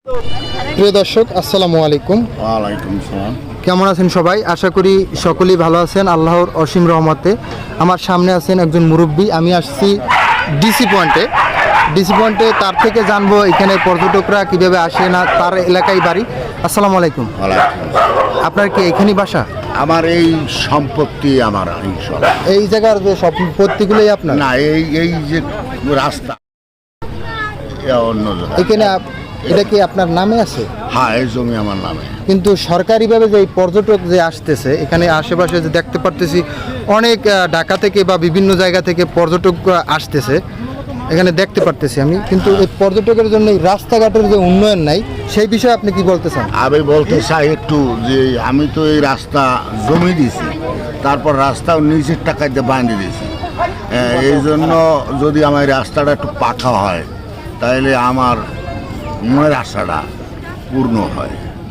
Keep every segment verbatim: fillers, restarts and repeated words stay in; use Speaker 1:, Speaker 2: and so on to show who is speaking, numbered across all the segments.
Speaker 1: প্রিয় দর্শক, আসসালামু আলাইকুম।
Speaker 2: ওয়ালাইকুম আসসালাম।
Speaker 1: কেমন আছেন সবাই? আশা করি সকলেই ভালো আছেন আল্লাহর অসীম রহমতে। আমার সামনে আছেন একজন মুরব্বী। আমি আসছি ডিসি পয়েন্টে। ডিসি পয়েন্টে তার থেকে জানবো এখানে পর্যটকরা কিভাবে আসে, না তার এলাকায় বাড়ি। আসসালামু আলাইকুম।
Speaker 2: ওয়ালাইকুম আসসালাম।
Speaker 1: আপনার কি এখানেই বাসা?
Speaker 2: আমার এই সম্পত্তি আমার অংশ।
Speaker 1: এই জায়গার যে সম্পত্তিগুলোই আপনার?
Speaker 2: না, এই এই যে রাস্তা এ অন্য জায়গা।
Speaker 1: এখানে আপ- এটা কি আপনার নামে আছে?
Speaker 2: হ্যাঁ, এই জমি আমার নামে।
Speaker 1: কিন্তু সরকারিভাবে যে এই পর্যটক যে আসতেছে এখানে আশেপাশে যে দেখতে পারতেছি অনেক আহ, ঢাকা থেকে বা বিভিন্ন জায়গা থেকে পর্যটক আসতেছে এখানে দেখতে পারতেছি আমি, কিন্তু এই পর্যটকের জন্য এই রাস্তাঘাটের যে উন্নয়ন নাই সেই বিষয়ে আপনি কি বলতে চান?
Speaker 2: আমি বলতে চাই একটু যে আমি তো এই রাস্তা জমি দিছি, তারপর রাস্তাও নিজের টাকায় দিয়ে বাঁধিয়ে দিয়েছি। এই জন্য যদি আমার এই রাস্তাটা একটু পাকা হয় তাহলে আমার মনের আশাটা পূর্ণ হয়।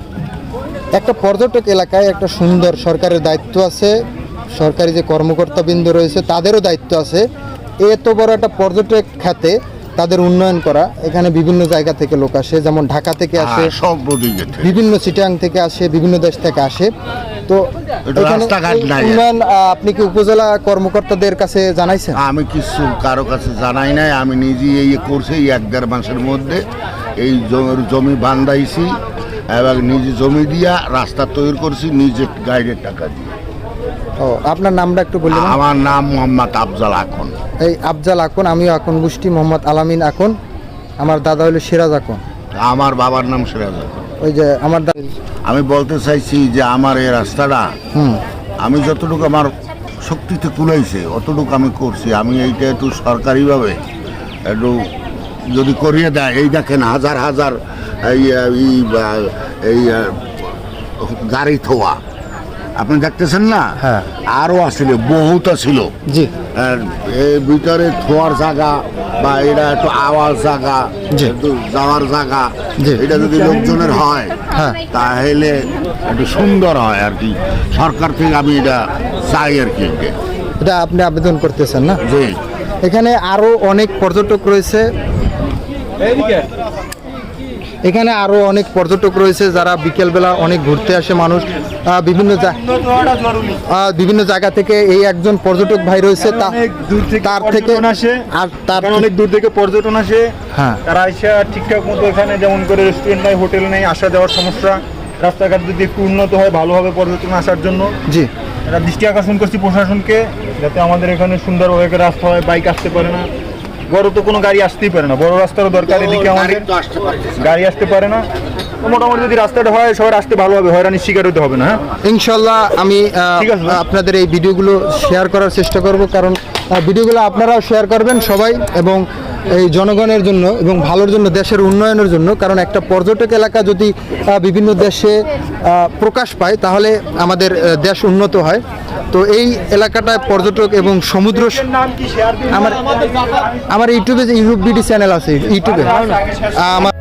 Speaker 1: একটা পর্যটক এলাকায় একটা সুন্দর সরকারের দায়িত্ব আছে, সরকারি যে কর্মকর্তাবৃন্দ রয়েছে তাদেরও দায়িত্ব আছে। এত বড় একটা পর্যটক খাতে তাদের উন্নয়ন করা। এখানে বিভিন্ন জায়গা থেকে লোক আসে, যেমন ঢাকা থেকে আসে,
Speaker 2: হ্যাঁ, সব দিকে থেকে।
Speaker 1: বিভিন্ন চিটাং থেকে আসে, বিভিন্ন দেশ থেকে আসে। তো
Speaker 2: এটা
Speaker 1: এখানে
Speaker 2: রাস্তাঘাট
Speaker 1: এই
Speaker 2: নাই।
Speaker 1: উন্নয়ন আহ, আপনি কি উপজেলা কর্মকর্তাদের কাছে জানাইছেন?
Speaker 2: আমি কিছু কারো কাছে জানাই নাই। আমি নিজেই এই করছি এই এক দেড় মাসের মধ্যে এই জ- জমি বান্ধাইছি এবং নিজে জমি দিয়া রাস্তা তৈরি করছি নিজে গাইডের টাকা দিয়ে।
Speaker 1: ও, আপনার নামটা একটু বললেন?
Speaker 2: আমার নাম মোহাম্মদ আফজাল আকন।
Speaker 1: এই আফজাল আকন, আমিও আকন গোষ্ঠী, মোহাম্মদ আলামিন আকন। আমার দাদা হলো সিরাজ আকন।
Speaker 2: আমার বাবার নাম সিরাজ আকন।
Speaker 1: ওই যে আমার দাদা।
Speaker 2: আমি বলতে চাইছি যে আমার এই রাস্তাটা
Speaker 1: হুম
Speaker 2: আমি যতটুকু আমার শক্তিতে কুলাইছে অতটুকু আমি করছি। আমি এইটা একটু সরকারিভাবে একটু যদি করিয়ে দেয়, এই দেখেন হাজার হাজার এই এই বা- এই আহ, গাড়ি থোয়া আপনি দেখতেছেন না?
Speaker 1: হ্যাঁ।
Speaker 2: আরও আসলে বহুত ছিল।
Speaker 1: জি
Speaker 2: আর এর ভিতরে থোয়ার জায়গা বা এটা একটু আওয়াজ জায়গা,
Speaker 1: জি।
Speaker 2: একটু যাওয়ার জায়গা,
Speaker 1: জি।
Speaker 2: এটা যদি লোকজনের হয়
Speaker 1: হ্যাঁ।
Speaker 2: তাহলে একটু সুন্দর হয় আর কি। সরকার থেকে আমি এটা চাই আর কি।
Speaker 1: এটা আপনি আবেদন করতেছেন না?
Speaker 2: জি।
Speaker 1: এখানে আরো অনেক পর্যটক রয়েছে। এখানে আরো অনেক পর্যটক রয়েছে যারা বিকেলবেলা অনেক ঘুরতে আসে মানুষ আহ, বিভিন্ন জা- আহ, বিভিন্ন জায়গা থেকে। এই একজন পর্যটক ভাই রয়েছে, তা-
Speaker 3: অনেক দূর থেকে
Speaker 1: তার থেকে
Speaker 3: পর্যটন আসে।
Speaker 1: আর তার
Speaker 3: কারণ অনেক দূর থেকে পর্যটন আসে।
Speaker 1: হ্যাঁ।
Speaker 3: তারা এসে ঠিকঠাক মতো এখানে যেমন করে রেস্টুরেন্ট নাই, হোটেল নেই, আসা যাওয়ার সমস্যা। রাস্তাঘাট যদি একটু উন্নত হয় ভালো হবে পর্যটন আসার জন্য।
Speaker 1: জি
Speaker 3: এটা দৃষ্টি আকর্ষণ করছি প্রশাসনকে, যাতে আমাদের এখানে সুন্দরভাবে একটা রাস্তা হয়, বাইক আসতে পারে না, বড় তো কোনো গাড়ি আসতেই পারে না, বড় রাস্তারও দরকার এদিকে আমাদের, গাড়ি আসতে পারে না। তো মোটামুটি যদি রাস্তাটা হয় সবার আসতে ভালো হবে, হয়রানির শিকার হতে হবে না। হ্যাঁ,
Speaker 1: ইনশাল্লাহ আমি আহ,
Speaker 3: ঠিক আছে, ভাই।
Speaker 1: আপনাদের এই ভিডিওগুলো শেয়ার করার চেষ্টা করব, কারণ আহ, ভিডিওগুলো আপনারাও শেয়ার করবেন সবাই, এবং এই জনগণের জন্য এবং ভালোর জন্য, দেশের উন্নয়নের জন্য। কারণ একটা পর্যটক এলাকা যদি আহ, বিভিন্ন দেশে আহ, প্রকাশ পায় তাহলে আমাদের আহ, দেশ উন্নত হয়। তো এই এলাকাটায় পর্যটক এবং সমুদ্র স-
Speaker 3: নাম কি শেয়ার
Speaker 1: আমার আমার ইউটিউবে যে ইউটিউব বিডি চ্যানেল আছে, ইউটিউবে আহ, আমার